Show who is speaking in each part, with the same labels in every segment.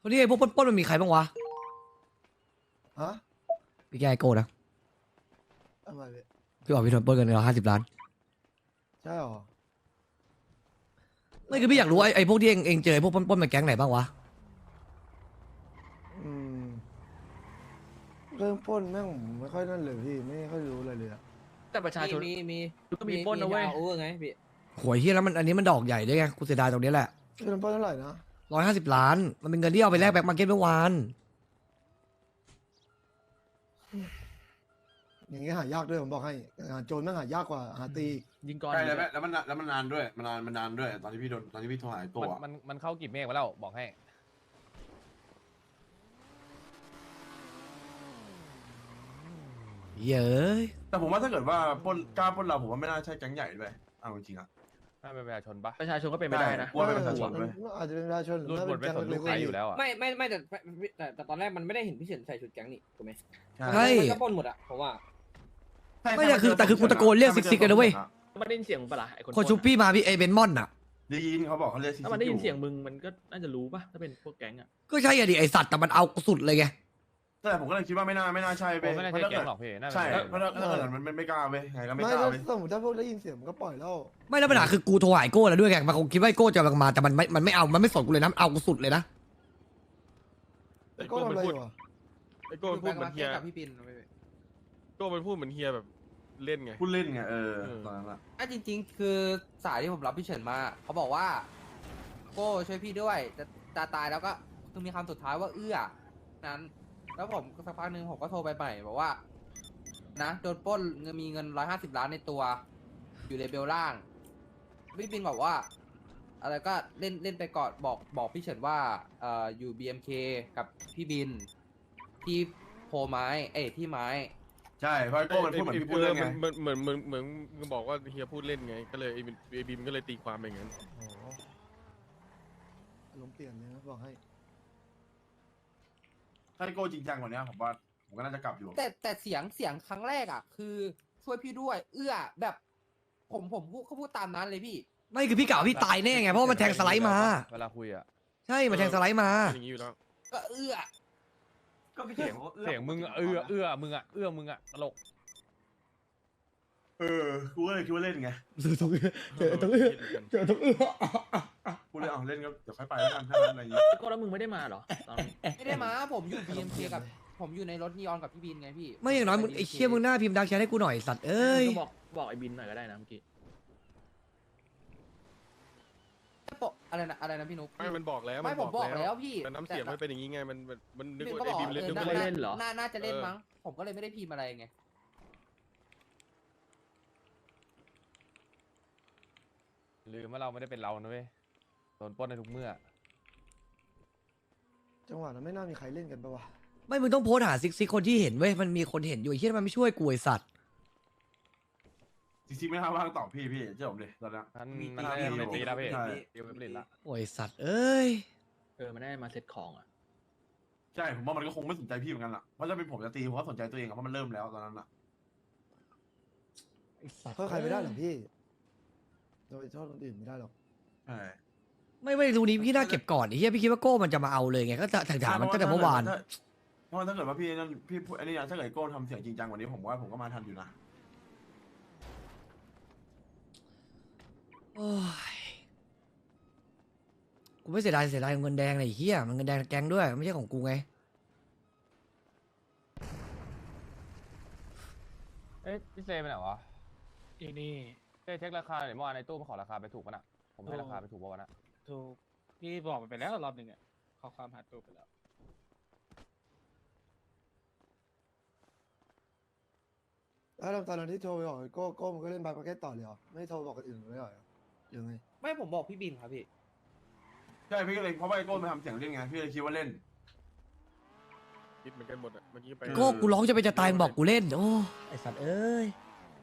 Speaker 1: คนนี้ไอ้พวกปล้นมันมีใครบ้างวะ
Speaker 2: ฮะ
Speaker 1: พี่แกไอโก้นะ
Speaker 2: ทำไมพี่
Speaker 1: พี่บอกพี่โดนปล้นกันเรา50 ล้าน
Speaker 2: ใช่หรอ
Speaker 1: ไม่คือพี่อยากรู้ไอ้พวกที่เองเจอไอ้พวกปล้นมาแก๊งไหนบ้างวะ
Speaker 2: อืมเรื่องปล้นแม่งผมไม่ค่อยนั่นเลยพี่ไม่ค่อยรู้อะไรเลยอะ
Speaker 3: แต่ประชาชน
Speaker 4: มี
Speaker 3: ก็มีปล้นนะเว้ย
Speaker 4: โอเวอร์ไงพี่
Speaker 1: หวยเฮียแล้วมันอันนี้มันดอกใหญ่ด้วยไงกูเสียดายตรงนี้แหละ
Speaker 2: เรื่องปล้นเท่าไหร่นะ
Speaker 1: 150 ล้าน มันเป็นเงินที่เอาไปแลกแบ็คมาร์เก็ตเมื่อวาน
Speaker 2: อย่างเงี้ยหายากด้วยผมบอกให้หาโจรแม่งหายากกว่าหาตีอีก
Speaker 3: ยิงก่อน
Speaker 5: ใช่แล้วมันนานด้วยมันนานด้วยตอนที่พี่โทรหาไอ้ตัว
Speaker 6: มันเข้ากี่เมฆมาแล้วบอกให้
Speaker 1: เย้ย
Speaker 5: แต่ผมว่าถ้าเกิดว่าปล้นกล้าปล้นเราผมว่าไม่น่าใช่แก๊งใหญ่ด้วยเอาจริงๆอ่ะ
Speaker 6: น่าเป็นประชาชนปะ
Speaker 3: ประชาชนก็เป็นไม่ได้นะ
Speaker 5: กลัวเป็นประชาชนด้วย
Speaker 2: อาจจะเป็นประชาชนหรือ
Speaker 6: รุ่น
Speaker 2: ถ้า
Speaker 6: บ
Speaker 2: เป็น
Speaker 6: นไม่
Speaker 2: แก๊ง
Speaker 6: สนลู
Speaker 2: เล็
Speaker 6: ก
Speaker 2: กๆ
Speaker 6: ใคร
Speaker 2: ก็
Speaker 6: อ
Speaker 2: มี
Speaker 6: ยู่แล้วอ่ะ
Speaker 4: ไม่แต่ตอนแรกมันไม่ได้เห็นพี่เฉินใส่ชุดแก๊งนี่ถูกไหม
Speaker 1: ใช่
Speaker 4: มันก็ปล้นหมดอะเพราะว่า
Speaker 1: ไม่แต่คือกูตะโกนเรียกซิกกันนะเว้ย
Speaker 3: มันได้ยินเสียงมึงปะล่ะไอ้คน
Speaker 1: คนชุบพี่มาพี่ไอเบนมอนอ่ะ
Speaker 5: ได้ยินเขาบอกเขาเรียก
Speaker 3: ถ้ามันได้ยินเสียงมึงมันก็น่าจะรู้ปะถ้าเป็นพวกแก๊งอ่ะ
Speaker 1: ก็ใช่อะดิไอสัตว์แต่มันเอาสุดเลยไง
Speaker 5: แต่ผมก็เลยคิดว่าไม่น่าใช่
Speaker 6: โอ้ไม่น่าใช่แก๊งหรอกพี่น่าเป็น
Speaker 5: ใช่เพราะถ้าเกิดมันไม่กล้าไปไงก็ไม่
Speaker 2: ไม่
Speaker 5: กล้า
Speaker 2: ถ้า
Speaker 5: ไป
Speaker 2: สมมติถ้าพวกได้ยินเสียงมันก็ปล่อยแล้ว
Speaker 1: ไม่แล้วปัญหาคือกูโทรหาไอ้โก้แล้วด้วยไงมันคงคิดว่าไอ้โก้จะมาแต่มันไม่เอามันไม่สนกูเลยนะมันเอากูสุดเลยนะ
Speaker 2: ก็ทำอะไรอยู่อะ
Speaker 7: ไอ้โก้มันพูดเหมือนเฮีย
Speaker 4: กับพี่ปิน
Speaker 7: โก้มันพูดเหมือนเฮียแบบเล่นไง
Speaker 5: พูดเล่นไงตอนนั้นอะ
Speaker 4: จริงๆ คือสายที่ผมรับพี่เฉินมาเขาบอกว่าโก้ช่วยพี่ด้วยจะตายแล้วก็คือมีคำสุดท้ายว่าเอื้อนั้น แล้วผมสักพักหนึ่งผมก็โทรไปใหม่บอกว่านะโดนปล้นมีเงิน150 ล้านในตัว อยู่ในเบลล่างพี่ปินบอกว่า อะไรก็เล่นไปก่อนบอกพี่เฉินว่าอยู่ BMK กับพี่บินที่โพไม้ที่ไม้
Speaker 5: ใช่เพราะไอ้โก้มันพูดเหมือนพี่พูดเล่นไง
Speaker 7: เหมือนมึงบอกว่าเฮียพูดเล่นไง ก็เลยไอ้บีมก็เลยตีความไปอย่างนั้น
Speaker 2: โอ้โหอารมณ์เปลี่ยนเลยนะบอกให้
Speaker 5: ถ้าไอ้โก้จริงจังกว่านี้ผมว่าผมก็น่าจะกลับอยู่
Speaker 4: แต่เสียงครั้งแรกอ่ะ คือช่วยพี่ด้วย เอื้อแบบผมพูดตามนั้นเลยพี่
Speaker 1: ไม่คือพี่กล่าวพี่ตายแน่ไงเพราะว่ามันแทงสไลด์มา
Speaker 6: เวลาคุยอ่ะ
Speaker 1: ใช่มันแทงสไลด์มา
Speaker 7: เป็นอย่างนี้อยู่แล้ว
Speaker 4: ก็เอื้อ
Speaker 6: เสียงมึงมึงอ่ะตลก
Speaker 5: กูก็เลยคิดว่าเล่นไง
Speaker 1: เจอตรงเอื้อเจอตรงเอื้อ
Speaker 5: กูเลยเล่นก็เดี๋ยวค่อยไปแล้วกันถ้างั้นอะไรอย่างงี้
Speaker 3: ไอ้โก้แล้วมึงไม่ได้มาเหรอตอนนั้น
Speaker 4: ไม่ได้มาผมอยู่ BMK กับผมอยู่ในรถนีออนกับพี่บินไงพี่
Speaker 1: ไม่อย่างน้อยมึงไอ้เชี่ยมึงหน้าพิมพ์ดักแชทให้กูหน่อยสัตว์เอ้ย
Speaker 3: ก็บอกไอ้บินหน่อยก็ได้นะเมื่อกี้
Speaker 4: อะไรนะพี่นุ๊ก
Speaker 7: ไม่มันบอกแล้ว
Speaker 4: ไม่ผมบอกแล้วพี่
Speaker 7: แต่น้ำเสียงมันเป็นอย่างนี้ไง มันนึก
Speaker 4: พี่บิน
Speaker 7: ว่า
Speaker 4: ก็บ
Speaker 7: ไอ้
Speaker 4: อก
Speaker 7: บีมเล่น
Speaker 4: น่า
Speaker 7: ด้วย
Speaker 3: เล่นเหรอ
Speaker 4: น่าจะเล่นมั้งผมก็เลยไม่ได้พิมพ์อะไรไง
Speaker 6: ลืมว่าเราไม่ได้เป็นเรานะเว้ยโดนปล้นในทุกเมื่อ
Speaker 2: จังหวะนั้นไม่น่ามีใครเล่นกันปะวะ
Speaker 1: ไม่มึงต้องโพสต์หาซิกคนที่เห็นเว้ยมันมีคนเห็นอยู่ไอ้เชี่ยมันไม่ช่วยกูไอ้สัตว์
Speaker 5: จริงๆไม่น่าว่างตอบพี่เชื่อผมดิตอนนี้
Speaker 6: มันได้ไม่ตีแล้วพี่
Speaker 5: ใช่
Speaker 6: ตีไม่ผลิตละ
Speaker 1: โอ้ยสัตว์เอ้ย
Speaker 3: มันได้มาเซ็ตของอ่ะ
Speaker 5: ใช่ผมว่ามันก็คงไม่สนใจพี่เหมือนกันล่ะเพราะถ้าเป็นผมจะตีผมก็สนใจตัวเองอะเพราะมันเริ่มแล้วตอนนั้นอะ
Speaker 1: ไอ้สัตว์
Speaker 2: เพื่อใครไม่ได้หรอกพี่โดยโทษคนอื่นไม่ได้หรอก
Speaker 5: ใช่
Speaker 1: ไม่ดูนี้พี่น่าเก็บก่อนไอ้เหี้ยพี่คิดว่าโก้มันจะมาเอาเลยไงก็ถามมันตั้งแต่เมื่อวาน
Speaker 5: เพราะว่าถ้าเกิดว่าพี่นั่นพี่พูดอันนี้นะถ้าเกิดโก้ทำเสียงจริงจังกว่านี้ผมว่าผมก็มาทันอยู่นะ
Speaker 1: โอ้ยกูไม่เสียดายเงินแดงเลยไอ้เหี้ยมันเงินแดงแกงด้วยไม่ใช่ของกูไง
Speaker 6: เอ๊ะพี่เซไปไหนวะ
Speaker 8: อีนี่
Speaker 6: เช็คราคาหน่อยเมื่อวานในตู้มาขอราคาไปถูกป่ะน่ะผมให้ราคาไปถูกป่ะวะน่ะ
Speaker 8: ถูกพี่บอกมันไปแล้วรอบหนึ่งอ่ะข้อความหาตัวไปแล้ว
Speaker 2: แล้วตอนนั้นที่โทรไปบอกไอ้โก้มันก็เล่นบาร์มาร์เก็ตต่อเลยเหรอไม่โทรบอกคนอื่นเลยเหรอยังไง
Speaker 4: ไม่ผมบอกพี่บินครับพี่
Speaker 5: ใช่พี่ก็เลยเพราะว่าไอ้โก้มาทำเสียงเล่นไงพี่เลยคิดว่าเล่น
Speaker 7: คิดเหมือนกันหมดอ่ะ เมื่อกี้ไป
Speaker 1: โก้กูร้องจะไปจะตายมึงบอกกูเล่นโอ้ไอ้สัตว์เอ้ย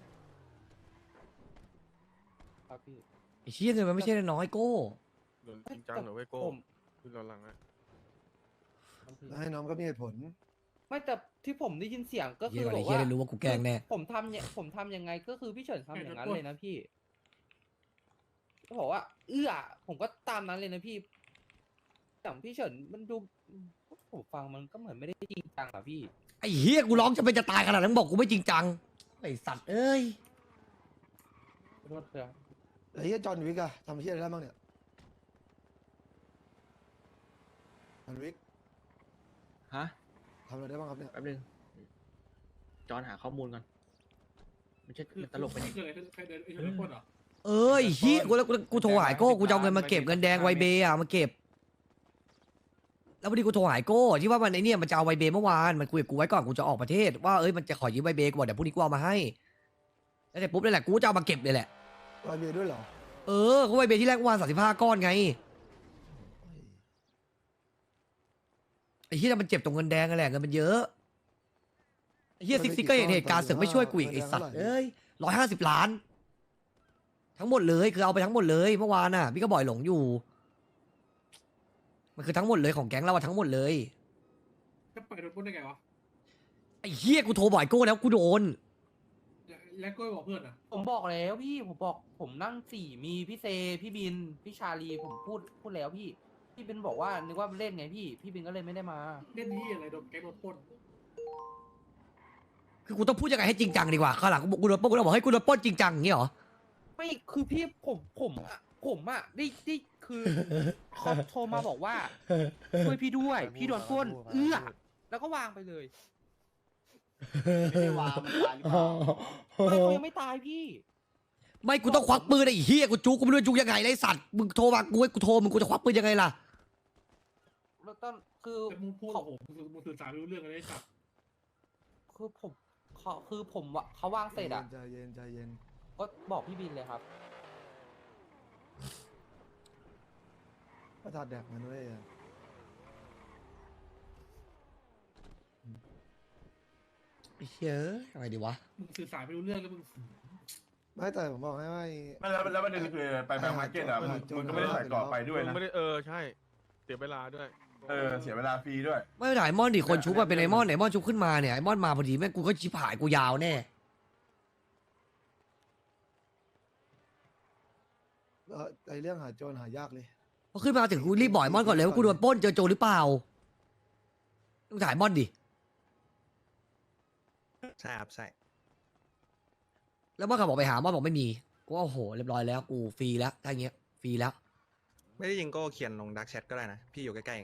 Speaker 4: ครับพี่
Speaker 1: ไอ้เชี่ยเงินมันไม่ใช่น้อยโก้
Speaker 7: โดนจริงจังเหรอเว้ยโก้
Speaker 4: ผม
Speaker 7: ขึ้นเราหลังอ่ะ
Speaker 2: แล้วให้น้องก็มีเหตุผล
Speaker 4: ไม่แต่ที่ผมได้ยินเสียงก็
Speaker 1: เหี้
Speaker 4: คื
Speaker 1: ย
Speaker 4: อ
Speaker 1: ก่อน
Speaker 4: บ
Speaker 1: ไอ้
Speaker 4: อก
Speaker 1: เหี้ย
Speaker 4: ว่า
Speaker 1: ได้รู้ว่ากูแกล้งแน่
Speaker 4: ผมทำยังไงก็คือพี่เฉินทำอย่างนั้นเลยนะพี่ก็บอกว่า เอื้อผมก็ตามนั้นเลยนะพี่อย่างพี่เฉินมันดูผมฟังมันก็เหมือนไม่ได้จริงจังอะพี่
Speaker 1: ไอ้เฮียกูร้องจะเป็นจะตายขนาดนั้นบอกกูไม่จริงจังไอ้สัตว์เอ้ย
Speaker 4: ขอโทษเถอะ
Speaker 2: ไอ้เหี้ยจอห์นวิกอะทำเหี้ยอะไรได้บ้างเนี่ยจอห์นวิก
Speaker 3: ฮะ
Speaker 2: ทำอะไรได้บ้างครับเนี่ย
Speaker 3: แป๊บนึงจอนหาข้อมูลก่อนมันตลกไปเนี่ย
Speaker 8: เกิดอะไรขึ้นใครเดินไอ้คนคนเหรอ
Speaker 1: เอ้ยเฮียกูโทรหายโก้กูจะเอาเงินมาเก็บเงินแดงไวเบย์อะมาเก็บ แล้วพอดีกูโทรหายโก้ที่ว่ามันไอเนี่ยมันจะเอาไวเบย์เมื่อวานมันคุยกับกูไว้ก่อนกูจะออกประเทศว่าเอ้ยมันจะขอยืมไวเบย์กูบอกเดี๋ยวพรุ่งนี้กูเอามาให้แล้วเสร็จปุ๊บนี่แหละกูจะเอามาเก็บเลยแหละ
Speaker 2: รอยเบียร์ด้วยเหรอ
Speaker 1: เออก็ไวเบย์ที่แรกเมื่อวาน35 ก้อนไงไอ้เฮียมันเจ็บตรงเงินแดงนั่นแหละเงินมันเยอะไอ้เฮียซิกซิกก็เห็นเหตุการณ์เสือกไม่ช่วยกูอีกไอ้สัตว์เอ้ย150 ล้าน ทั้งหมดเลยคือเอาไปทั้งหมดเลยเมื่อวานน่ะพี่ก็บ่อยหลงอยู่ มันคือทั้งหมดเลยของแก๊งเราอะทั้งหมดเลย
Speaker 8: จะปล่อยโดนปล้นได้ไงวะ
Speaker 1: ไอ้เฮียกูโทรบ่อยโก้แล้วกูโดน
Speaker 8: แล้วก็บอกเพื่อนอ่ะ
Speaker 4: ผมบอกแล้วพี่ผมบอกผมนั่งสี่มีพี่เซพี่บินพี่ชาลีผมพูดแล้วพี่บินบอกว่านึกว่าเล่นไงพี่บินก็เลยไม่ได้มา
Speaker 8: เล่นที่อะไรโดนแก๊งโดนปล้น
Speaker 1: คือกูต้องพูดยังไงให้จริงจังดีกว่าข้างหลังกูโดนปล้นกูต้องบอกให้กูโดนปล้นจริงจังอย่างงี้เหรอ
Speaker 4: ไม่คือพี่ผมอะได้คือเขาโทรมาบอกว่าช่วยพี่ด้วย พี่โดนปล้นแล้วก็วางไปเลย
Speaker 9: ไม่ได้วางมันตายหรือเปล่า
Speaker 4: ไม่เขายังไม่ตายพี่
Speaker 1: ไม่กูต้องควักปืนไอ้เฮียกูจูกูไม่รู้จะจูยังไงเลยไอ้สัตว์มึงโทรมากูให้กูโทรมึงกูจะควักปืนยังไงล่ะ
Speaker 4: แล้วตอนคือ
Speaker 8: แต่มึงพูดกับผมมึงสื่อสารไม่รู้เรื่องอะไรสัก
Speaker 4: คือผมอะเขาวางเสร็จอะ
Speaker 2: ใจเย็นใจเย็น
Speaker 4: ก็บอกพี่บินเลยครับ
Speaker 2: ประทาดแดกมันด้วยอะ
Speaker 1: ไอ้เฮียยังไงดีวะ
Speaker 8: มึงสื่อสารไม่รู้เรื่องแล้วมึง
Speaker 2: ไม่แต่ผมบอกให้ว่า
Speaker 5: ไม่แล้วประเด็นคือไปแบงก์มาร์เก็ตอะมึงก็ไม่ได้ใส่กรอบไปด้วยนะ
Speaker 7: ไม่ได้ใช่เสียเวลาด้วย
Speaker 5: เสียเวลาฟรีด้วย
Speaker 1: ไม่ได้ไอ้มอนดิคนชุบมาเป็นไอ้มอนไหนมอนชุบขึ้นมาเนี่ยไอ้มอนมาพอดีแม่งกูก็ชิบหายกูยาวแน่
Speaker 2: ไอเรื่องหาโจรหายากเลย
Speaker 1: พอขึ้นมาถึงกูรีบบ่อยมอนก่อนเลยว่ากูโดนปล้นเจอโจรหรือเปล่าต้องถ่ายมอนดิ
Speaker 9: ใช่ครับใช่
Speaker 1: แล้วมอนก็บอกไปหามอนบอกไม่มีกูว่าโอ้โหเรียบร้อยแล้วกูฟรีแล้วถ้าอย่างเงี้ยฟรีแล้ว
Speaker 9: ไม่ได้ยิงก็เขียนลงดักแชทก็ได้นะ พี่อยู่ใกล้ๆเอง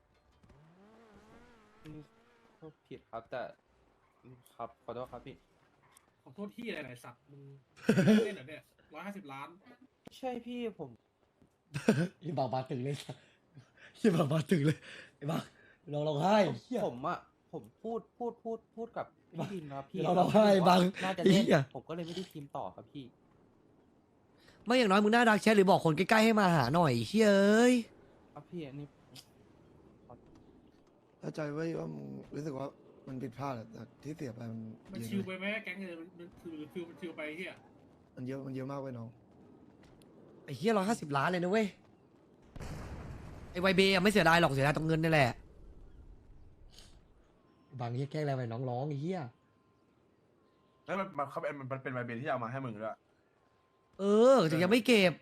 Speaker 4: ก็ผิดครับแต่ครับขอโทษครับพี่
Speaker 8: ขอโทษที่อะไรหลายสักมึงเล่นเหรอเนี่ย150 ล้าน
Speaker 4: ใช่พี่ผม
Speaker 1: ยี่บอกมาถึงเลยยี่บอกมาถึงเลยไอ้บ้าเราให้เหี้ย
Speaker 4: ผมอะผมพูดกับพี่บินครับพี่
Speaker 1: เราให้บัง
Speaker 4: น่าจะ
Speaker 1: ไอ้
Speaker 4: เล่น
Speaker 1: เหี้ย
Speaker 4: ผมก็เลยไม่ได้ทีมต่อครับพี่
Speaker 1: ไม่อย่างน้อยมึงหน้าดักแชทหรือบอกคนใกล้ๆให้มาหาหน่อยเฮ้ย
Speaker 4: ครับพี่อันนี้
Speaker 2: เข้าใจไว้ว่ามึงรู้สึกว่ามันผิดพลาดอะแต่ที่เสียไปมัน
Speaker 8: มัน
Speaker 2: เยอะ
Speaker 8: ชิว
Speaker 2: นะ
Speaker 8: ไปไหมแก๊งเนี่ยมันคือมันชิวไปเฮีย
Speaker 2: มันเยอะมากเว้ยน้อง
Speaker 1: ไอ้เหี้ย150 ล้านเลยนะเว้ยไอ้ไวเบย์อะไม่เสียดายหรอกเสียดายตรงเงินนี่แหละบางเหี้ยแกล้งอะไรไปน้องร้องไอ้เหี้ย
Speaker 5: แล้วมันเป็นใบเบนที่เอามาให้มึงด้วย
Speaker 1: เออถึงยังไม่เก็บ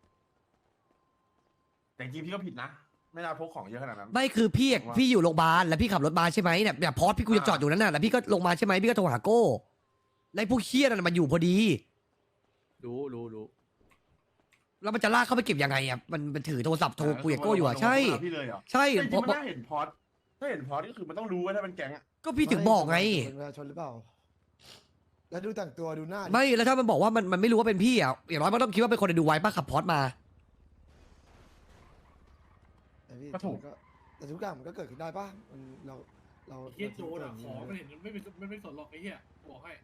Speaker 5: แต่จริงๆพี่ก็ผิดนะ ไม่น่าพกของเยอะขนาดนั้น
Speaker 1: ไม่คือพี่อะ
Speaker 5: ผมว่า
Speaker 1: พี่อยู่โรงพยาบาลแล้วพี่ขับรถมาใช่ไหมเนี่ยแบบพอสพี่กูจะจอดอยู่นั้นน่ะแล้วพี่ก็ลงมาใช่ไหมพี่ก็โทรหาโก้แล้วไอ้พวกเคี้ยนั่นนะมันอยู่พอดี
Speaker 3: รู้
Speaker 1: แล้วมันจะลากเข้าไปเก็บยังไงอ่ะมันถือโทรศัพท์โทรคุยกับโก้อยู่อ่ะใช่
Speaker 5: พี่เลยเหรอ
Speaker 1: ใช่
Speaker 5: จริง
Speaker 1: เพราะ
Speaker 5: ๆมันน่าเห็นพอดถ้าเห็นพอดก็คือมันต้องรู้ว่าถ้าเป็นแก๊งอะ
Speaker 1: ก็พี่ถึงบอกไง
Speaker 2: เป็นประชาชนหรือเปล่า แล้วดูแต่งตัวดูหน้าดิ
Speaker 1: ไม่แล้วถ้ามันบอกว่ามันไม่รู้ว่าเป็นพี่อ่ะอย่างน้อยมันต้องคิดว่าเป็นคนในดูไว้ป้าขับพอสมา
Speaker 2: แต่พี่
Speaker 5: ก็ถูก
Speaker 2: แต่ทุกอย่างมันก็เกิดขึ้นได้ป่ะมันเรา
Speaker 8: เฮียโจรอะของมันเห็นมันไม่สนหรอกไอ้เฮียบอกให้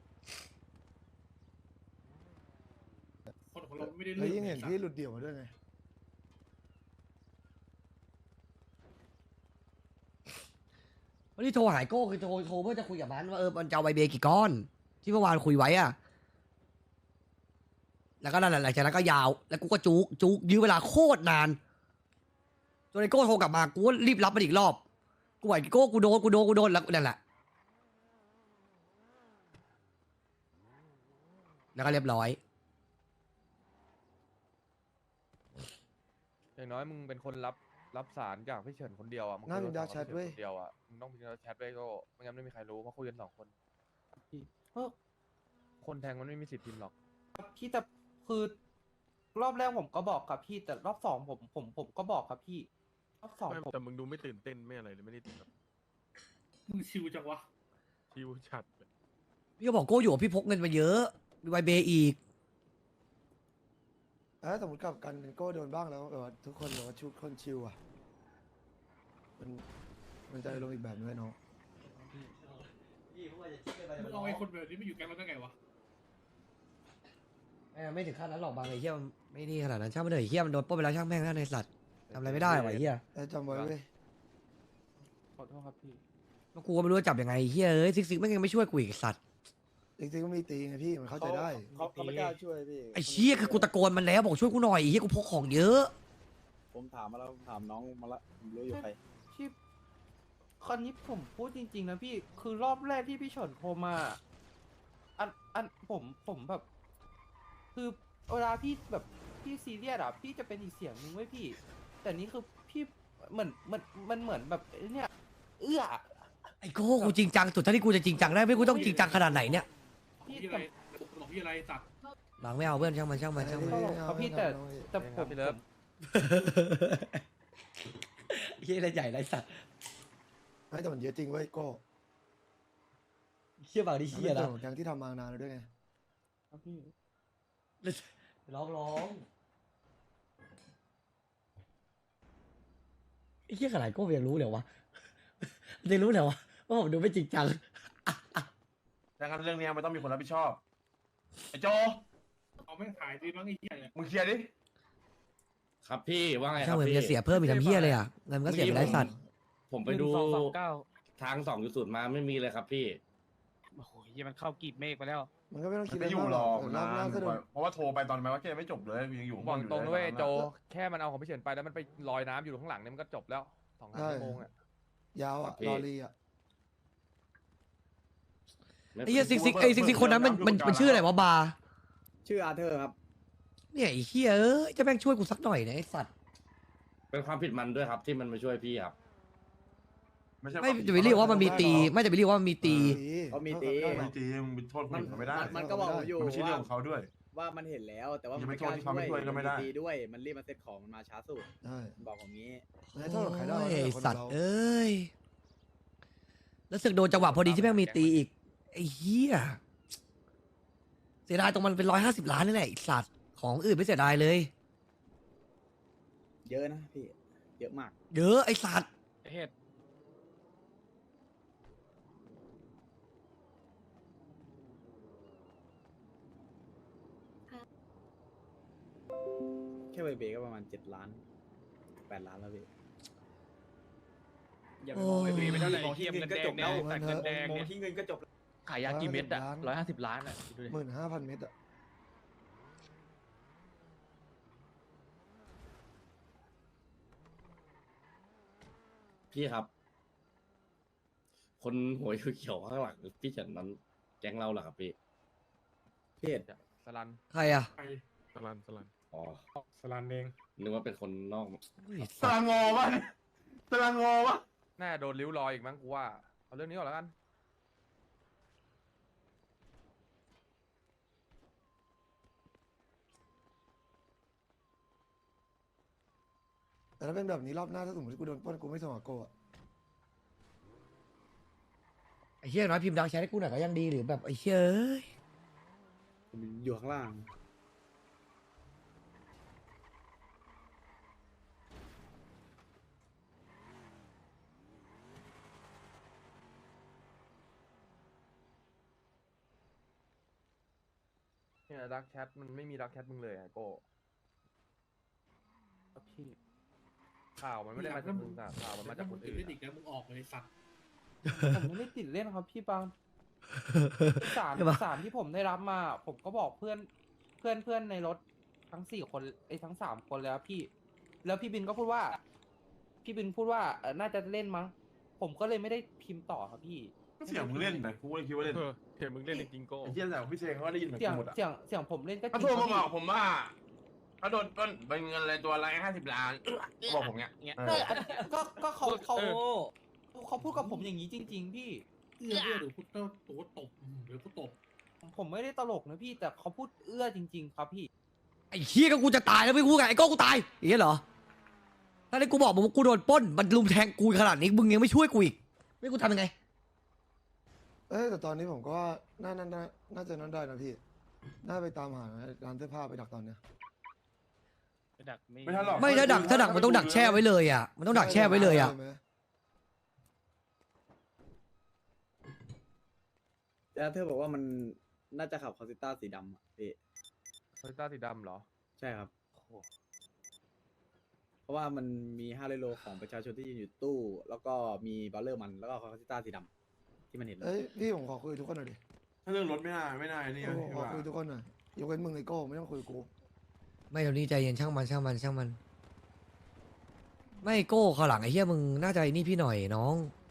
Speaker 8: คนของเราไม่ได้
Speaker 2: แล้ว
Speaker 8: เรื่อง
Speaker 2: ยิ่งเห็นพี่หลุดเดี่ยวมาด้วยไง
Speaker 1: วันนี้โทรหายโก้คือโทรเพื่อจะคุยกับมันว่ามันจะเอาไวเบย์กี่ก้อน ที่เมื่อวานคุยไว้อ่ะแล้วก็นั่นแหละหลังจากนั้นก็ยาวแล้วกูก็จุกยื้อเวลาโคตรนานจนไอ้โก้โทรกลับมากูก็รีบรับมันอีกรอบกูไหวโก้กูโดนแล้วนั่นแหละแล้วก็เรียบร้อย
Speaker 6: อย่างน้อยมึงเป็นคนรับรับสารจากพี่เฉินคนเดียวอ่ะมึง
Speaker 2: น่า
Speaker 6: คุ
Speaker 2: มี
Speaker 6: ย
Speaker 2: ดา
Speaker 6: กับ
Speaker 2: ร์กแชท
Speaker 6: พี่
Speaker 2: เว้ย
Speaker 6: ฉินคนเดียวอ่ะมึงต้องมีดักแชทไว้ก็ไม่งั้นไม่มีใครรู้เพราะคุยกัน2 คน
Speaker 4: พี่เออ
Speaker 6: คนแทงมันไม่มีสิทธิ์พิมพ์หรอก
Speaker 4: พี่แต่คือรอบแรกผมก็บอกครับพี่แต่รอบสองผมก็บอกครับพี่รอบสอง
Speaker 7: ไม่
Speaker 4: ผม
Speaker 7: แต่มึงดูไม่ตื่นเต้นไม่อะไรเลยไม่ได้แบบ
Speaker 8: มึงชิวจังวะ
Speaker 7: ชิวชัดเลย
Speaker 1: พี่ก็บอกโก้อยู่ว่าพี่พกเงินมาเยอะมีไวเบอีก
Speaker 2: สมมติกับกันโก้โดนบ้างแล้วแบบว่าทุกคนแบบว่าชุดคนชิวอ่ะมันจะลงอีกแบบนึงเลยน้อง
Speaker 8: มึงเอาไอ้คนแบบนี้มาอยู่แก๊งเราได้ไงวะ
Speaker 1: ไม่ถึงขั้นนั้นหรอกบางไอ้เหี้ยมันไม่นี่ขนาดนั้นช่างมันเถอะไอ้เหี้ยมันโดนปล้นไปแล้วช่างแม่งนะในสัตว์ทำอะไรไม่ได้หรอกไอ้เหี้ย
Speaker 2: แต่จำไว้เว้ย
Speaker 4: ขอโทษครับพี่
Speaker 1: แล้วกูก็ไม่รู้จะจับยังไงไอ้เหี้ยเอ้ยซิกแม่งยังไม่ช่วยกูอีกไอ้สัตว์
Speaker 2: จริงๆก็มีตีไงพี่มันเข้าใจได้
Speaker 10: เขาไม่กล้าช่วยพี่
Speaker 1: ไอ้เชี่ยคือกูตะโกนมันแล้วบอกช่วยกูหน่อยไอ้เหี้ยกูพกของเยอะ
Speaker 10: ผมถามมาแล้วผมถามน้องมาละผมรู้อยู่ใคร
Speaker 4: พี่คราวนี้ผมพูดจริงๆนะพี่คือรอบแรกที่พี่เฉินโทรมาอันผมแบบ คือเวลาพี่แบบพี่ซีเรียสอะพี่จะเป็นอีกเสียงนึงไว้ยพี่ แต่นี้คือพี่มันเหมือนแบบเนี่ยเอื้อ
Speaker 1: ไอ้โก้กูจริงจังสุดเท่าที่กูจะจริงจังได้ไม่กูต้องจริงจังขนาดไหนเนี่ย
Speaker 4: พี่
Speaker 8: พี่อะไรบอกพี่อะไรสัตว์
Speaker 1: หลังไม่เอาเพื่อนช่างมัน
Speaker 4: ครับพี่แต่ผม
Speaker 6: พี่เลิฟ
Speaker 1: เหี้ยอะไรใหญ่ไรสัตว์
Speaker 2: ไม่แต่มันเยอะจริงเว้ยโก้
Speaker 1: เหี้ยบางดิ
Speaker 2: มัน
Speaker 1: เหี้
Speaker 2: เป็
Speaker 1: ย
Speaker 2: น
Speaker 1: นะ
Speaker 2: ส่วนของแกงที่ทำมานานแล้วด้วยไง
Speaker 4: ครับพี่
Speaker 1: ร้องไอ้เหี้ยขนาดโก้ยังรู้เลยวะยังรู้เลยวะว่าผมดูไม่จริงจัง
Speaker 5: ดังนั้นเรื่องเนี้ยมันต้องมีคนรับผิดชอบไอ้โจ
Speaker 8: เอาไม่ขายดีมั้งไอ้เหี้ยเนี่ย
Speaker 5: มึงเคลียร์ดิ
Speaker 10: ครับพี่ว่าไงค
Speaker 1: ช่าง
Speaker 10: รับ
Speaker 1: เหมือน
Speaker 10: พี่
Speaker 1: จะเสียเพิ่มอีกทำเหี้ยเลยอ่ะเงินมันก็เสียไปไรสัตว์
Speaker 10: ผมไปดูทาง2.0มาไม่มีเลยครับพี่
Speaker 6: โอ้โหยี่มันเข้ากีบเมฆไปแล้ว
Speaker 2: มันก็ไม่ต้อง
Speaker 5: มั
Speaker 2: คิด
Speaker 5: น
Speaker 2: อะไร
Speaker 5: ไม่อยู่
Speaker 2: มาก
Speaker 5: หรอก
Speaker 2: ร
Speaker 5: นะ
Speaker 2: อบหน้าก็โดน
Speaker 5: เพราะว่าโทรไปตอนแม้ว่าแกไม่จบเลยยังอยู่
Speaker 6: บอกตรงด้วย
Speaker 5: อยู่
Speaker 6: โจแค่มันเอาของพี่เฉินไปแล้วมันไปลอยน้ำอยู่ข้างหลังเนี่ยมันก็จบแล้ว2 ชั่วโมงอ่ะ
Speaker 2: ยาวอ่ะ
Speaker 10: พี่
Speaker 2: รอรีอ่ะ
Speaker 1: ไอ้เหี้ยซิกคนนั้นมันชื่ออะไรวะบาร์
Speaker 10: ชื่ออาร์เธอร์ครับ
Speaker 1: เนี่ยไอ้เหี้ยเอ้ยจะแม่งช่วยกูสักหน่อยนะไอ้สัตว์
Speaker 10: เป็นความผิดมันด้วยครับที่มันมาช่วยพี่ครับ
Speaker 5: ไม่ใช่
Speaker 1: ไม่จะไปเรียกว่ามันมีตี ไม่จะไปเรียกว่ามันมีตี
Speaker 10: เขามีตี
Speaker 5: ไม่ตีมึงไปโทษคนอื่นเขาไม่ได้
Speaker 10: มันก็บอกผมอยู่
Speaker 5: มันไม่ใช่เรื่องของเขาด้วย
Speaker 10: ว่ามันเห็นแล้วแต่ว่า
Speaker 5: อย่าไปโทษที่เขาไม่ช่วยก็ไม่ได้
Speaker 10: ตีด้วยมันรีบมาเซ็ตของมันมาช้าสุด
Speaker 2: ใช่
Speaker 10: บอกผมงี้
Speaker 2: ไม่ให้โทษกับใครได้
Speaker 1: โอ้ย
Speaker 2: แต่
Speaker 1: ไอ้
Speaker 2: คน
Speaker 1: สัตว์
Speaker 2: เรา
Speaker 1: เอ้ย แล้วสึกโดนจังหวะพอดีที่แม่งมีตีอีก ไอ้เหี้ย เสียดายตรงมันเป็น150 ล้านนี่แหละไอ้สัตว์ ของอื่นไม่เสียดายเลย
Speaker 10: เยอะนะพี่เยอะมาก
Speaker 1: เยอะไอ้สัตว์
Speaker 6: เฮ็ด
Speaker 10: แค่เบเบก็ประมาณ7 ล้าน8 ล้านแล้วพี่
Speaker 6: อย่าไปมองไอ้บีไม่เท่าไหร่เทียมเงินแดงเนี่ยแต่เงินแดงเนี่ย
Speaker 10: ที่เงินก็จบ
Speaker 3: ขายยากี่เม็ดอะ150 ล้านอะคิดดูดิ
Speaker 2: 15,000 เมตรอ่ะ
Speaker 10: พี่ครับ คนหัวเขียวๆข้างหลังพี่เฉินนั้นแก๊งเราเหรอครับพี่พี่เห็น
Speaker 6: สลัน
Speaker 1: ใครอ่ะ
Speaker 8: ไป
Speaker 7: สลัน
Speaker 10: อ๋อ
Speaker 8: สลันเอง
Speaker 10: นึกว่าเป็นคนนอก
Speaker 1: อุ้ย
Speaker 5: ส
Speaker 1: สัต
Speaker 5: ลา
Speaker 1: ว์
Speaker 5: งอวะสลางอวะ
Speaker 6: น่าโดนริ้วรอยอีกมั้งกูว่าเอาเรื่องนี้ก่อนแล้วกัน
Speaker 2: แต่ถ้าเป็นแบบนี้รอบหน้าถ้าสมมติกูโดนปล้นกูไม่ส่งกับโก้อะ
Speaker 1: ไอ้เหี้ยน้อยพิมพ์ดังแชทให้กูหน่อยก็ยังดีหรือแบบไอ้เหี้ยเอ้ย
Speaker 10: อยู่ข้างล่าง
Speaker 6: เนี่ยดักแชทมันไม่มีดักแชทมึงเลยอะโก้
Speaker 4: ครับพี่
Speaker 6: ข่าวมันไม่ได้มาจากมึงอะข่าวมันมาจากคน
Speaker 8: ติด
Speaker 6: อื่น
Speaker 8: เล่นอีกแล้วมึงออกเลยสัตว์
Speaker 4: ผมไม่ได้ติดเล่นครับพี่บางสารที่ผมได้รับมา ผมก็บอกเพื่อนในรถทั้ง4 คนทั้ง3 คนแล้วพี่ แล้วพี่บินก็พูดว่า น่าจะเล่นมั้ง ผมก็เลยไม่ได้พิมพ์ต่อครับพี่
Speaker 5: ก็เสียงมึงเล่นนะกูก็เลยคิดว่าเล่น
Speaker 7: เห็นมึงเล่นจริงๆโก้
Speaker 5: ไอ้เหี้ยแต่พี่เชงเขาก็ได้ยินเหมือน
Speaker 4: เสีย
Speaker 5: กู
Speaker 4: ง
Speaker 5: หมดอ่ะ
Speaker 4: เสียงผมเล่นก็จ
Speaker 5: เขา
Speaker 4: ริง
Speaker 5: โทร
Speaker 4: ครั
Speaker 5: มา
Speaker 4: บ
Speaker 5: บอกผมว่าเขาโดนต้นเป็นเงินอะไรตัวละ50 ล้านบอกผมเงี้ย
Speaker 4: ก็เขาพูดกับผมอย่างนี้จริง ๆ พี่
Speaker 8: เอื้อหรือพุทธตัวตบหรือกูตบ
Speaker 4: ผมไม่ได้ตลกนะพี่แต่เขาพูดเอื้อจริง ๆ ครับพี่
Speaker 1: ไอ้เฮียก็กูจะตายแล้วไม่กูไงไอ้โก้กูตายอย่างเงี้ยเหรอถ้าได้กูบอกมึงว่ากูโดนปล้นมันลุมแทงกูขนาดนี้มึงยังไม่ช่วยกูอีกไม่กูทำยังไง
Speaker 2: แต่ตอนนี้ผมก็ว่าน่าจะนั่นได้นะพี่น่าไปตามหาร้านเสื้อผ้าไปดักตอนเนี้ย
Speaker 5: ไม่ทันหรอก
Speaker 1: ไม่ถ้าดักมันต้องดักแช่ไว้เลยอ่ะมันต้องดักแช่ไว้เลยอ่ะ
Speaker 2: ใช่ไหม
Speaker 10: แล้วเธอบอกว่ามันน่าจะขับคอสิต้าสีดำอะพี่
Speaker 6: โตโยต้าสีดำเหรอ
Speaker 10: ใช่ครับ เพราะว่ามันมี5โลของประชาชนที่ยืนอยู่ตู้ แล้วก็มีบัลเลอร์มันแล้วก็คอสิต้าสีดำที่มันเห็น
Speaker 2: พี่ผมขอคุยทุกคนหน่อยดิ
Speaker 5: ถ้าเรื่องรถไม่น่านี่
Speaker 2: ผมขอคุยทุกคนหน่อยยกเว้นมึงไอโก้ไม่ต้องคุยกับกู
Speaker 1: ไม่เดี๋ยวนี้ใจเย็นช่างมันไม่โก้ข้างหลังไอ้เหี้ยมึงน่าจะไอ้นี่พี่หน่อยน้อง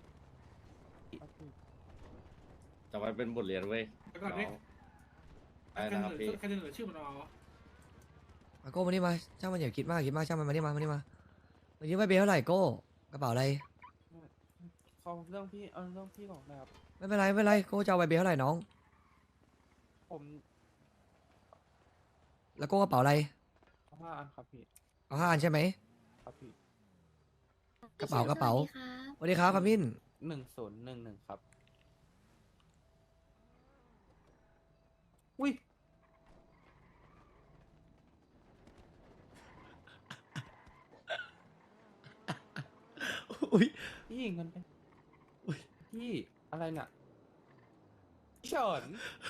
Speaker 10: จะไว้เป็นบทเรียนเว้ย
Speaker 8: แล้วก่อนนี้
Speaker 10: ไอ้นะครับพี่
Speaker 8: ใครจะเสนอชื่อมันเอา
Speaker 1: มาโก้มานี่มาช่างมันอย่าคิดมากช่างมันมานี่มาวันนี้ไม่เบลเท่าไหร่โก้กระเป๋าอะไร
Speaker 4: เขาเรื่องพี่เรื่องพี่บอกนะครับ
Speaker 1: ไม่เป็นไรโก้จะเอาใบเบลเท่าไหร่น้อง
Speaker 4: ผม
Speaker 1: แล้วโก้กระเป๋าอะไร
Speaker 4: 5 อันครับพี่
Speaker 1: เอา5 อันใช่ไหม
Speaker 4: ครับพี่
Speaker 1: กระเป๋าสวัสดีครับครับมิน
Speaker 4: 1011ครับอุ้ย
Speaker 1: อุ้ย
Speaker 4: พี่เงินไปพี่อะไรเนี่ยพี่เฉิน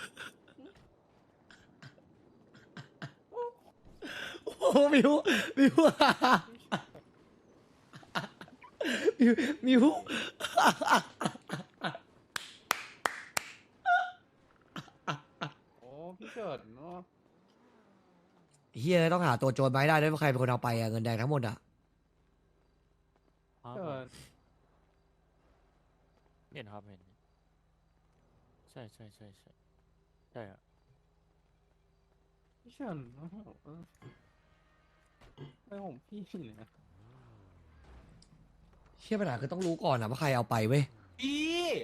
Speaker 1: โอ้มิวมิว
Speaker 4: โอ้พี่เฉินเนาะ
Speaker 1: เฮียต้องหาตัวโจรมาให้ได้ด้วยว่าใครเป็นคนเอาไปอะเงินแดงทั้งหมดอะ
Speaker 4: เฉิน
Speaker 6: เห็นครับเห็นใช่อะ
Speaker 4: พี่เฉินไม่ของพี่เนี่ย
Speaker 1: เชี่ยปัญหาคือต้องรู้ก่อนอะว่าใครเอาไปเว้ย
Speaker 4: พี่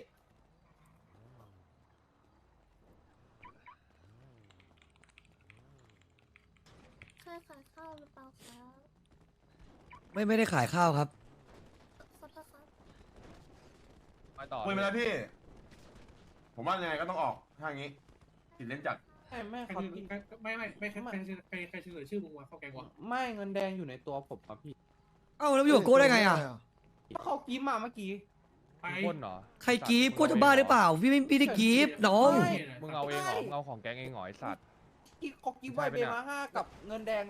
Speaker 11: เคยขายข้าวหรือเปล่าครับ
Speaker 1: ไม่ได้ขายข้าวครับ
Speaker 11: ขอโทษครับ
Speaker 6: ไปต่อ
Speaker 5: คุยมาแล้วพี่ ผมว่ายังไงก็ต้องออกถ้าอย่างงี้ติดเล่นจัด
Speaker 4: ไม่
Speaker 8: ใคร
Speaker 4: ครับ
Speaker 8: เสนอ
Speaker 4: พี่
Speaker 8: ใครเสนอชื่อมึงวะเข้าแกงวะ
Speaker 4: ไม่เงินแดงอยู่ในตัวผมครับพี่
Speaker 1: เอ้าแล้วไปอยู่กับโก้ได้ไงอะ
Speaker 4: ก็เขากิ้มมาเมื่อกี้
Speaker 8: ไป
Speaker 6: คนเหรอ
Speaker 1: ใครกรีฟโก้จะบ้าหรือเปล่าพี่ไม่ได้กรีฟน้อง
Speaker 6: มึงเอาเองเหรอมึงเอาของแก๊งเองเหรอไอสัตว์
Speaker 4: เขากิ้มไวเบมา5กับเงินแดง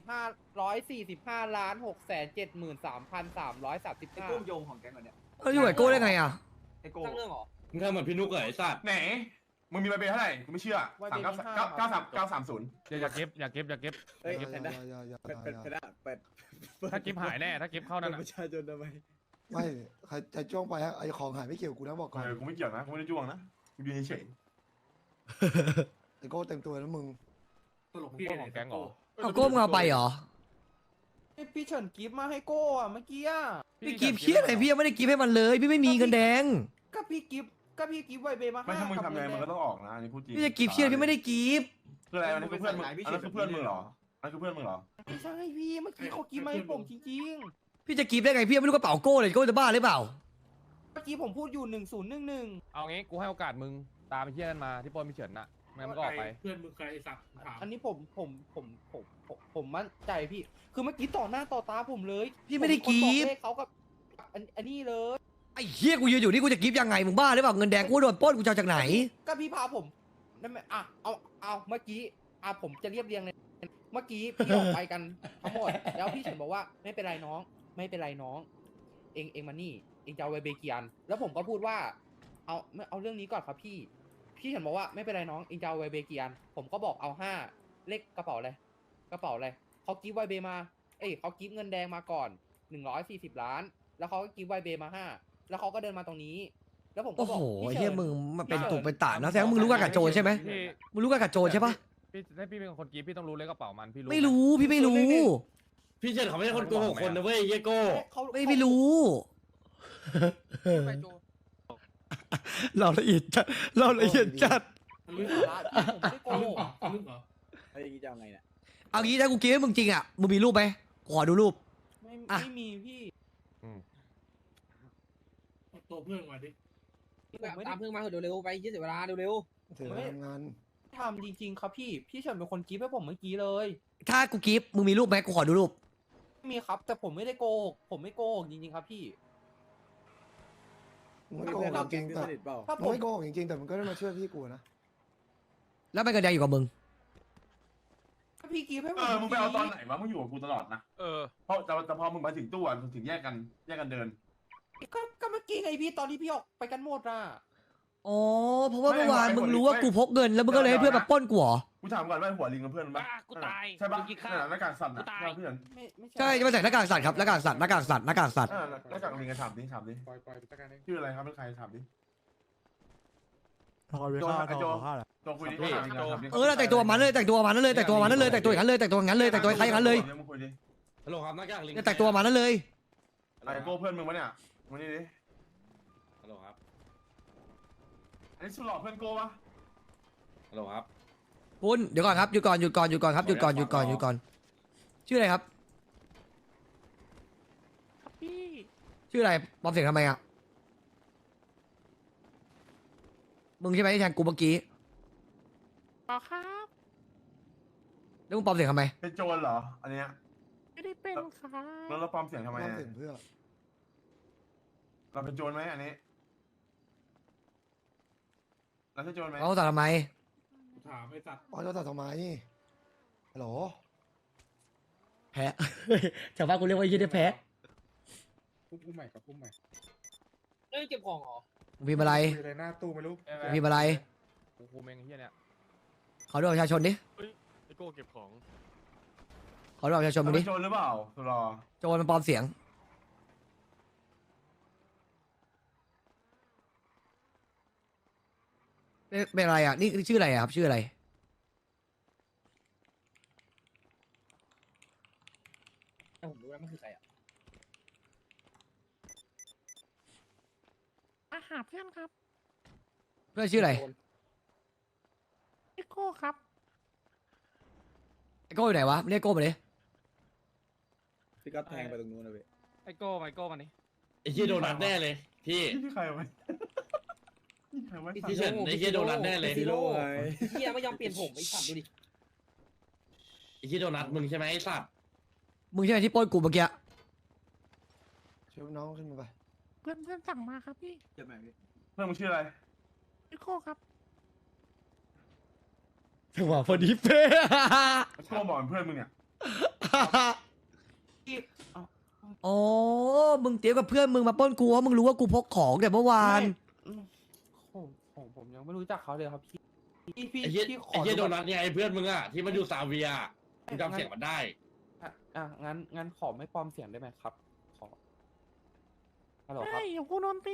Speaker 4: 145,673,335
Speaker 10: กุ้งโยงของแกงก่อนเนี่ย
Speaker 1: แล้วอยู่กับโก้ได้ไงอะ
Speaker 10: ไอโก้
Speaker 4: ตั้งเรื่องเหรอ
Speaker 10: มึงทำเหมือนพี่นุ๊กเลยไอ้สัตว์
Speaker 5: ไหน มึงมีใบเบเท่าไหร่ กูไม่เชื่อ
Speaker 4: ใบเบมี5
Speaker 5: 930
Speaker 6: อย่าเก็บ
Speaker 10: เฮ้ย
Speaker 6: เก็บ
Speaker 10: แพนด้าแพนด้าเปิด
Speaker 6: ถ้าเก็บหายแน่ถ้าเก็บเข้านั่น
Speaker 10: ประชาชนทำไม
Speaker 2: ไม่ใครจะจ้องไปฮะไอของหายไม่เกี่ยวกูนะบอกก่อน
Speaker 5: กูไม่เกี่ยวนะ กูไม่ได้จ้วงนะ กูยืนเฉย
Speaker 2: ไอโก้เต็มตัวแล้วมึง
Speaker 8: ตลกพี่
Speaker 6: ของแก๊งเหรอ
Speaker 1: เอาโก้มึงเอาไปเหรอ
Speaker 4: พี่เฉินกิฟมาให้โก้อะเมื่อกี้อะ
Speaker 1: พี่กรีฟเครียดอะไรพี่ยังไม่ได้กรีฟให้มันเลย พี่ไม่มีเงินแดง
Speaker 4: ก็พี่กิฟไวเบมา
Speaker 5: ไม่ถ้ามึง
Speaker 4: กับ
Speaker 5: ทำไง
Speaker 4: เงิ
Speaker 5: มัน
Speaker 4: น
Speaker 5: ก็
Speaker 4: แด
Speaker 5: ต้องออกนะอันนี้พูดจริง
Speaker 1: พี่จะกรีฟเครียดพี่ไม่ได้กรีฟ
Speaker 5: คืออะไรอันนี้คือเพื่อนมึงอันนั้นคือเพื่อนมึงเหรออันนั้นคือเพื่อนมึงเหรอ
Speaker 4: ไม่ใช่พี่เมื่อกี้เขากิฟมาให้ผมจริง
Speaker 1: พี่จะกรีฟได้ไงพี่ยังไม่รู้กระเป๋าโก้เลยโก้จะบ้าหรือเปล่า
Speaker 4: ๆเมื่อกี้ผมพูดอยู่1011
Speaker 6: เอางี้กูให้โอกาสมึงตามไปเที่ยกันมาที่ปล้นมิเฉินน่ะไม่งั้นมันก็ออกไป
Speaker 8: เพื่อนมึงใครไอ้สัตว์ถาม
Speaker 4: อันนี้ผมมั่นใจพี่ คือเมื่อกี้ต่อหน้าต่อตาผมเลย
Speaker 1: พี่ไม่ได้กรีฟ
Speaker 4: ผมเป็นคนบอกเลขเขากับอันนี้เลย
Speaker 1: ไอ้เฮียกูยืนอยู่นี่กูจะกรีฟยังไงมึงบ้าหรือเปล่าเงินแดงกูโดนปล้นกูจะเอาจากไหน
Speaker 4: ก็พี่พาผมนั่นไหมเอาเมื่อกี้ผมจะเรียบเรียงเลย เมื่อกี้พี่ออกไปกันทั้งหมด แล้วพี่เฉินบอกว่าไม่เป็นไรน้อง ไม่เป็นไรน้อง เองมานี่เองจะเอาไวเบเกียนแล้วผมก็พูดว่า เอาเรื่องนี้ก่อนครับพี่เฉินบอกว่าไม่เป็นไรน้องเองจะเอาไวเบเกียนผมก็บอกเอา5เลขกระเป๋าอะไรเขากิฟต์ไวเบมาเขากิฟต์เงินแดงมาก่อน140 ล้าน แล้วเขาก็กิฟต์ไวเบมา5แล้วเขาก็เดินมาตรงนี้ แล้วผมก็
Speaker 1: โอ้
Speaker 4: บอก
Speaker 1: โห
Speaker 4: พี่
Speaker 1: เฮีย
Speaker 4: ฉิน
Speaker 1: มึงมันเป็นตุกเป็นตานะแสดงว่ามึงรู้กันกับโจรใช่ไหม
Speaker 6: พี่
Speaker 1: มึงรู้กันกับโจรใช่ปะ
Speaker 6: พี่ถ้าพี่เป็นคนกรีฟพี่ต้องรู้เลยกระเป๋ามันพี่รู้
Speaker 1: ไม่รู้พี่ไม่รู้
Speaker 3: พี่เฉินเขาไม่ใช่คนโกหกคนนะเว้ยเยโก้
Speaker 1: ไม่รู้
Speaker 4: ไปโจ
Speaker 1: เราละเอียดจัดเราละเอียดจัด
Speaker 8: ลึก
Speaker 4: สาระพี่ผมไม่ได้โกหก
Speaker 8: ลึกเหรอ
Speaker 10: ไอ้ยอย่างงี้จะเอาไงเนี่ย
Speaker 1: เอางี้ถ้ากูกิฟให้มึงจริงอ่ะมึงมีรูปไหมขอดูรูป อ่ะ
Speaker 4: ไม่มีพี่
Speaker 8: เอาตัวเพื่อนมาดิ
Speaker 4: ผมตามเพื่อนมาเร็วๆไปยี่สิบเวลาเร็ว
Speaker 2: ถือว่าทำงาน
Speaker 4: ๆทำจริงๆครับพี่เฉินเป็นคนกรีฟให้ผมเมื่อกี้เลย
Speaker 1: ถ้ากูกิฟมึงมีรูปไหมกูขอดูรูป
Speaker 4: ไม่มีครับ แต่ผมไม่ได้โกหกผมไม่โกหกจริงๆครับพี่
Speaker 2: มึงไม่โกหกจริงๆแต่
Speaker 10: สนิทเปล่า
Speaker 4: ถ้า
Speaker 2: มึ
Speaker 4: ผ
Speaker 2: ง
Speaker 4: ม
Speaker 2: ไม่โกหกจริงๆแต่มึงก็ได้มาช่วยพี่กูนะ
Speaker 1: แล้วมันกระแดงอยู่กับมึง
Speaker 4: ถ้าพี่กรีฟให้ผม
Speaker 5: มึงไปเอาตอนไหนวะมึงอยู่กับกูตลอดนะ
Speaker 6: เออ
Speaker 5: เพราะแต่พอมึงมาถึงตู้อ่ะถึงแยกกันเดิน
Speaker 4: ก็เมื่อกี้ไงพี่ตอนที่พี่ออกไปกันหมดอ่ะ
Speaker 1: อ๋อเพราะว่า
Speaker 5: ไม่
Speaker 1: เมื่อวาน
Speaker 5: ไม่
Speaker 1: มึงรู้ว่า
Speaker 5: ไม่
Speaker 1: กูพกเงินแล้วมึงก็เลยให้เพื่อนมาปล้นกูเหรอ
Speaker 5: กูถามก่อนว่าหัวลิงกับเพื่อนมั้ย
Speaker 6: กูตาย
Speaker 5: ใช่ปะ
Speaker 6: กูกินข้าว
Speaker 5: หน้ากากสัตว์นะ
Speaker 6: กูตาย
Speaker 5: เพื่อน
Speaker 4: ไม่
Speaker 1: ใช่จะมาใส่หน้ากากสัตว์ครับหน้ากากสัตว์หน้ากากสัตว์หน้ากากสัตว์
Speaker 5: หน้ากากลิงกันถามดิ
Speaker 7: ปล่อยไปจัดการเอง
Speaker 5: ชื่ออะไรครับเป็นใครถามดิ
Speaker 12: พอไปข้าวทอข้าวแหละ
Speaker 5: ตัวคุยดิถามดิ
Speaker 1: เออเราแต่งตัวมันเลยแต่งตัวมันนั่นเลยแต่งตัวมันนั่นเลยแต่งตัวอย่างนั้นเลยแต่งตัวอย่างนั้นเลยแต่งตัวคล้ายอย่างนั้นเลย
Speaker 5: มึงคุยดิ
Speaker 3: ฮัลโหลครับหน้ากากลิง
Speaker 1: เนี่ยแต่งตัวมันนั่นเลย
Speaker 5: ไอ้โก้เพื่อนมึงปะเนี่ยมานี่ดิ
Speaker 3: ฮัลโหลครับ
Speaker 5: อันนี้สุดหล่อเพื่อนโก้ปะ
Speaker 3: ฮัลโหลครับ
Speaker 1: คุณเดี๋ยวก่อนครับหยุดก่อนครับหยุดก่อนชื่ออะไรครับ
Speaker 6: พี่
Speaker 1: ชื่ออะไรปลอมเสียงทำไมอ่ะมึงใช่ไหมที่แทงกูเมื่อกี้
Speaker 6: ต่อครับ
Speaker 1: แล้วมึงปลอมเสียงทำไม
Speaker 5: เป็นโจรเหรออันเนี้ย
Speaker 6: ไม่ได้เป็นครับ
Speaker 5: แล้วเราปลอมเสียงทำไม
Speaker 2: ความ
Speaker 5: อะ
Speaker 2: เสียงเพื่อ
Speaker 5: เราเป็นโจรไหมอันนี้เราใช่โจรไหม
Speaker 1: เราตัดทำไม
Speaker 8: กูถามไอ้สัตว์
Speaker 2: อ๋อจะตัดทำไมฮัลโหล
Speaker 1: แพ้ ชาวบ้านกูเรียกว่ายี่ได้แพ้
Speaker 7: พุ่มใหม่กับพุ่มใหม่
Speaker 4: เอ้ยเก็บของเหรอ
Speaker 1: มึงพิมพ์อะไร
Speaker 7: มีอะไรหน้าตู้ไม่รู้
Speaker 1: มึงพิมพ์อะไร
Speaker 6: กูเมงไอ้เหี้ยเนี่ย
Speaker 1: ขอดูบัตรประชาชนดิ
Speaker 7: ไอโก้เก็บของ
Speaker 1: ขอดูบัตรประชาชนมึง
Speaker 5: เป็
Speaker 1: ดิ
Speaker 5: นโจรหรือเปล่าสุดหล่อ
Speaker 1: โจรมันปลอมเสียงเป็นอะไรอ่ะนี่ชื่ออะไรอ่ะครับชื่ออะไร
Speaker 4: ผมรู้แล้วมันคือใครอ่ะ
Speaker 6: อาหาเพื่อนครับ
Speaker 1: เพื่อนชื่ออะไร
Speaker 6: พี่โก้ครับ
Speaker 1: ไอ้โก้อยู่ไหนวะเรียกโก้มาดิ
Speaker 10: พี่ก็แทงไปตรงนู้นนะเว้ย
Speaker 6: ไอโก้มานี่
Speaker 3: ไอ้เหี้ยโดนัทแน่เลย พี่
Speaker 5: นี่ใครวะนี่ใครวะ
Speaker 3: พี่เฉินไอ้เหี้ยโดนัทแน่เลย
Speaker 10: ซีโร่ไง
Speaker 4: เฮียไม่ยอมเปลี่ยนผมไอ้สัตว์ดูดิ
Speaker 3: ไอ้เหี้ยโดนัทมึงใช่ไหมไอ้สัตว์
Speaker 1: มึงใช่ไหมที่ปล้นกูเมื่อกี้
Speaker 2: ช่วยน้องขึ้นมาไป
Speaker 6: เพื่อนสั่งมาครับพี่
Speaker 5: เพื่อนมึงชื่ออะไร
Speaker 6: พี่โก้ครับ
Speaker 1: จังหวะพอดีเป๊ะ
Speaker 5: โก้บอกเป็นเพื่อนมึงเนี่ย
Speaker 1: อ๋อมึงเตรียมกับเพื่อนมึงมาปล้นกูเพราะมึงรู้ว่ากูพกของแต่เมื่อวาน
Speaker 4: ผมยังไม่รู้จักเขาเลยครับพี่พี่
Speaker 3: ไอ้เหี้ย
Speaker 4: พี่ข
Speaker 3: ไอ้
Speaker 4: อ
Speaker 3: เหี้ยโด
Speaker 4: ดู
Speaker 3: นัทไงไอ้เพื่อนมึงอะที่มันอยู่ซาเวียมึงจำเสียงมันได้
Speaker 4: งั้นขอไม่ปลอมเสียงได้ไหมครับขอฮัลโหลครับ
Speaker 6: เดี๋ยวกูโดนตี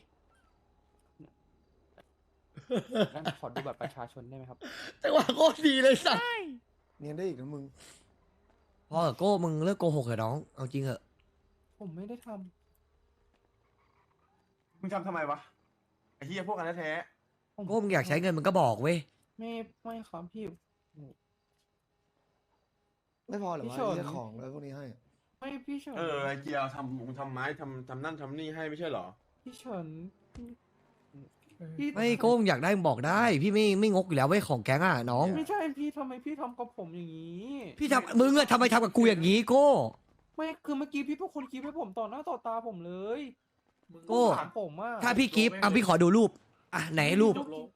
Speaker 4: งั้นขอดูบัตรประชาชนได้ไหมครับ
Speaker 1: จังหวะโคตรดีเลยสัส
Speaker 2: เนียนได้อีกนะมึง
Speaker 1: พอเถอะโก้มึงเลิกโกหกเถอะน้องเอาจริงเหอะ
Speaker 4: ผมไม่ได้ท
Speaker 5: มึงทำทำไมวะไอ้เหี้ยพวกกันแท้
Speaker 4: ำ
Speaker 1: โก้มึงอยากใช้เงินมึงก็บอกเว้ย
Speaker 4: ไม่ครับพี่
Speaker 2: ไม่พอเหรอ
Speaker 4: พี่
Speaker 2: วะ
Speaker 4: เฉิน
Speaker 2: เรียกของแล้วพวกนี้ให้
Speaker 4: ไม่พี่เฉิน
Speaker 5: ไอ้เกียร์ทำไม้ทำนั่นทำนี่ให้ไม่ใช่เหรอ
Speaker 4: พี่เฉินพี่
Speaker 1: ไม่โก้มึงอยากได้มึงบอกได้ พี่ไม่งกอยู่แล้วเว้ยของแก๊งอ่ะน้อง
Speaker 4: ไม่ใช่พี่ทำไมพี่ทำกับผมอย่างนี้
Speaker 1: พี่ทำมึงอะทำไมทำกับกูอย่างนี้โก้
Speaker 4: ไม่คือเมื่อกี้พี่เป็นคนคิดให้ผมต่อหน้าต่อตาผมเลย
Speaker 8: มึง
Speaker 1: โก้
Speaker 4: ถามผมอ่ะ
Speaker 1: ถ้าพี่กิฟต์อ่ะพี่ขอดูรูปอ่ะไหนรูป
Speaker 8: จบโล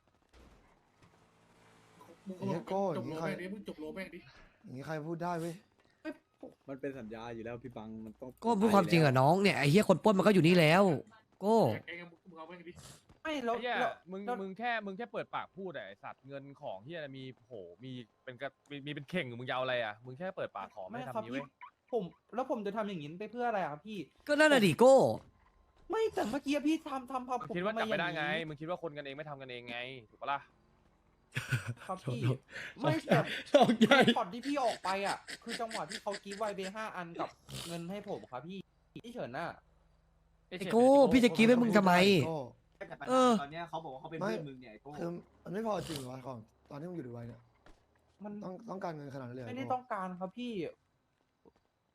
Speaker 8: มึงก็บอกจบโลแม่งดิมึงจบโลแม่งดิ
Speaker 2: อย่างนี้ใครพูดได้เว้ย
Speaker 10: มันเป็นสัญญาอยู่แล้วพี่บังมันต้อง
Speaker 1: โก้พูดความจริงอะน้องเนี่ยไอ้เหี้ยคนปล้นมันก็อยู่นี่แล้วโก้
Speaker 8: แกงมึงเอาแม่งดิ
Speaker 4: ไม่แล้ว
Speaker 6: ไอ้เหี้ย
Speaker 4: แล้ว
Speaker 6: มึงแค่เปิดปากพูดอะไอ้สัตว์เงินของเหี้ยอะไรมีเป็นเข่งมึงจะเอาอะไรอะมึงแค่เปิดปากขอไม่
Speaker 4: ไม่
Speaker 6: ทำ
Speaker 4: ครับ
Speaker 6: นี้
Speaker 4: พี่
Speaker 6: เว้ย
Speaker 4: ผมจะทำอย่างนี้ไปเพื่ออะไรครับพี่
Speaker 1: ก็นั่นน่ะดิโก้
Speaker 4: ไม่แต่เมื่อกี้พี่ทำพา
Speaker 6: มึง
Speaker 4: ผม
Speaker 6: คิดว่า
Speaker 4: ทำ
Speaker 6: จับไม่ได้
Speaker 4: อย่าง
Speaker 6: ไง
Speaker 4: นี้
Speaker 6: มึงคิดว่าคนกันเองไม่ทำกันเองไงถูกปะล่ะ
Speaker 4: ครับพี่
Speaker 1: โถ่
Speaker 4: ไม่แต่
Speaker 1: ดอกใหญ่
Speaker 4: ช็อตที่พี่ออกไปอ่ะ คือจังหวะที่เขากีฟไวเบ5 อันกับเงินให้ผมครับพี่เฉินน่ะ
Speaker 1: ไอ้โก้พี่จะกรี๊ดให้มึงทำไม
Speaker 2: โก้
Speaker 1: เออ
Speaker 3: ตอนเนี้ยเขาบอกว่าเขาเป็น
Speaker 2: ไม่
Speaker 3: เพื่อนมึงเนี่ยไอ้โก้
Speaker 2: คือมันไม่พอจริงเหรอวะของตอนที่มึงอยู่ดูไว้เนี่ย
Speaker 4: มัน
Speaker 2: ต้องการเงินขนาดนั้นเลยเหรอ
Speaker 4: ไม่ได้
Speaker 2: โก้
Speaker 4: ต้องการครับพี่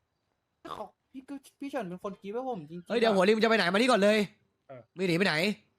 Speaker 4: เขาพี่เฉินเป็นคนกีฟให้ผมจริงๆ
Speaker 1: เฮ้ยเดี๋ยวหัวริมจะไปไหนมานี่ก่อนเลย
Speaker 8: เออ
Speaker 1: ไม่หนีไปไหน